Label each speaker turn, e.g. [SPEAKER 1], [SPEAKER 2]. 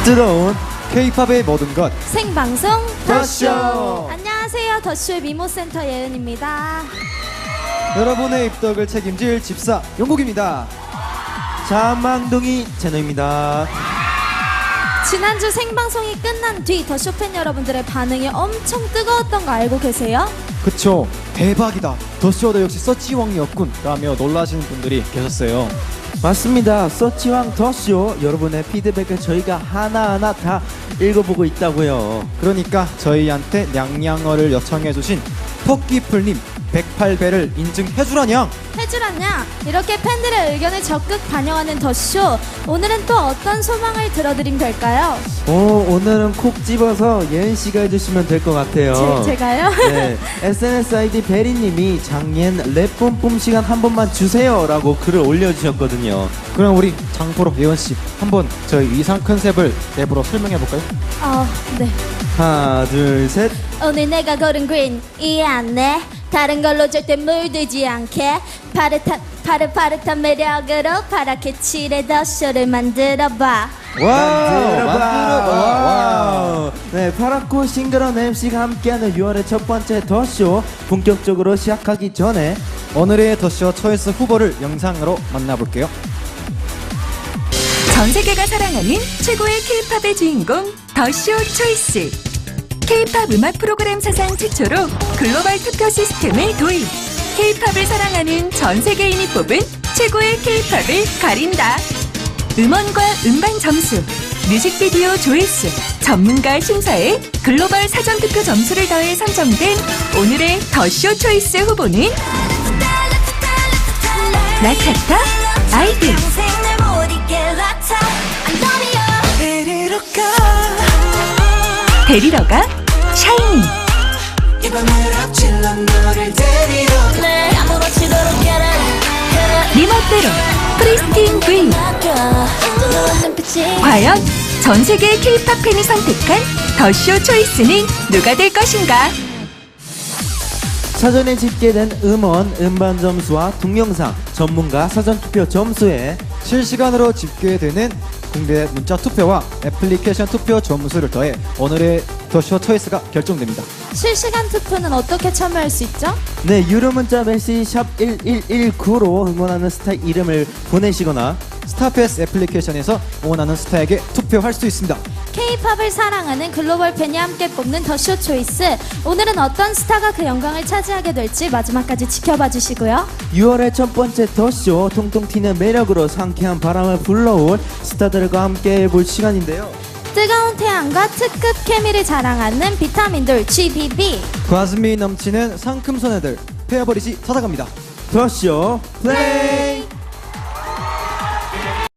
[SPEAKER 1] 뜨거운 K-팝의 모든 것
[SPEAKER 2] 생방송
[SPEAKER 1] 더쇼.
[SPEAKER 2] 안녕하세요, 더쇼의 미모센터 예은입니다.
[SPEAKER 1] 여러분의 입덕을 책임질 집사 용국입니다.
[SPEAKER 3] 자망둥이 제노입니다.
[SPEAKER 2] 지난주 생방송이 끝난 뒤 더쇼 팬 여러분들의 반응이 엄청 뜨거웠던 거 알고 계세요?
[SPEAKER 1] 그쵸, 대박이다, 더쇼도 역시 서치왕이었군 라며 놀라시는 분들이 계셨어요.
[SPEAKER 3] 맞습니다. 서치왕 더쇼 여러분의 피드백을 저희가 하나하나 다 읽어보고 있다고요.
[SPEAKER 1] 그러니까 저희한테 냥냥어를 요청해주신 토끼풀님 108배를 인증해주라냥.
[SPEAKER 2] 해주라냐? 이렇게 팬들의 의견을 적극 반영하는 더쇼. 오늘은 또 어떤 소망을 들어드리면 될까요?
[SPEAKER 3] 오늘은 콕 집어서 예은씨가 해주시면 될 것 같아요.
[SPEAKER 2] 제가요?
[SPEAKER 3] 네, SNS ID 베리님이 장옌 랩 뿜뿜 시간 한 번만 주세요 라고 글을 올려주셨거든요.
[SPEAKER 1] 그럼 우리 장프로 예원씨 한번 저희 의상 컨셉을 랩으로 설명해볼까요?
[SPEAKER 2] 네.
[SPEAKER 3] 하나 둘 셋.
[SPEAKER 2] 오늘 내가 고른 그린 이해 안 해. 다른 걸로 절대 물들지 않게 파릇파릇한 매력으로 파랗게 칠해 더쇼를 만들어봐.
[SPEAKER 3] 만들어봐. 네, 파랗고 싱그러운 MC가 함께하는 6월의 첫 번째 더쇼 본격적으로 시작하기 전에
[SPEAKER 1] 오늘의 더쇼 초이스 후보를 영상으로 만나볼게요.
[SPEAKER 4] 전 세계가 사랑하는 최고의 K-팝의 주인공 더쇼 초이스. K-팝 음악 프로그램 사상 최초로 글로벌 투표 시스템을 도입. K-팝을 사랑하는 전 세계인이 뽑은 최고의 K-팝을 가린다. 음원과 음반 점수, 뮤직비디오 조회수, 전문가 심사에 글로벌 사전 투표 점수를 더해 선정된 오늘의 더쇼 초이스 후보는 나타타, 아이들. 데리러 가 샤이니. 네 멋대로 프리스틴 브이. 과연 전 세계 K-팝 팬이 선택한 더쇼 초이스는 누가 될 것인가?
[SPEAKER 3] 사전에 집계된 음원, 음반 점수와 동영상, 전문가 사전 투표 점수에
[SPEAKER 1] 실시간으로 집계되는 공개 문자 투표와 애플리케이션 투표 점수를 더해 오늘의 더쇼 초이스가 결정됩니다.
[SPEAKER 2] 실시간 투표는 어떻게 참여할 수 있죠?
[SPEAKER 3] 네, 유료 문자 메시지 샵 1119로 응원하는 스타 이름을 보내시거나
[SPEAKER 1] 스타패스 애플리케이션에서 응원하는 스타에게 투표할 수 있습니다.
[SPEAKER 2] K-팝을 사랑하는 글로벌 팬이 함께 뽑는 더쇼 초이스. 오늘은 어떤 스타가 그 영광을 차지하게 될지 마지막까지 지켜봐 주시고요.
[SPEAKER 3] 6월의 첫 번째 더쇼 통통 튀는 매력으로 상쾌한 바람을 불러올 스타들과 함께 볼 시간인데요.
[SPEAKER 2] 뜨거운 태양과 특급 케미를 자랑하는 비타민돌 GBB.
[SPEAKER 1] 과즙미 넘치는 상큼 소녀들 페어버릿이 찾아갑니다.
[SPEAKER 3] 더쇼 플레이.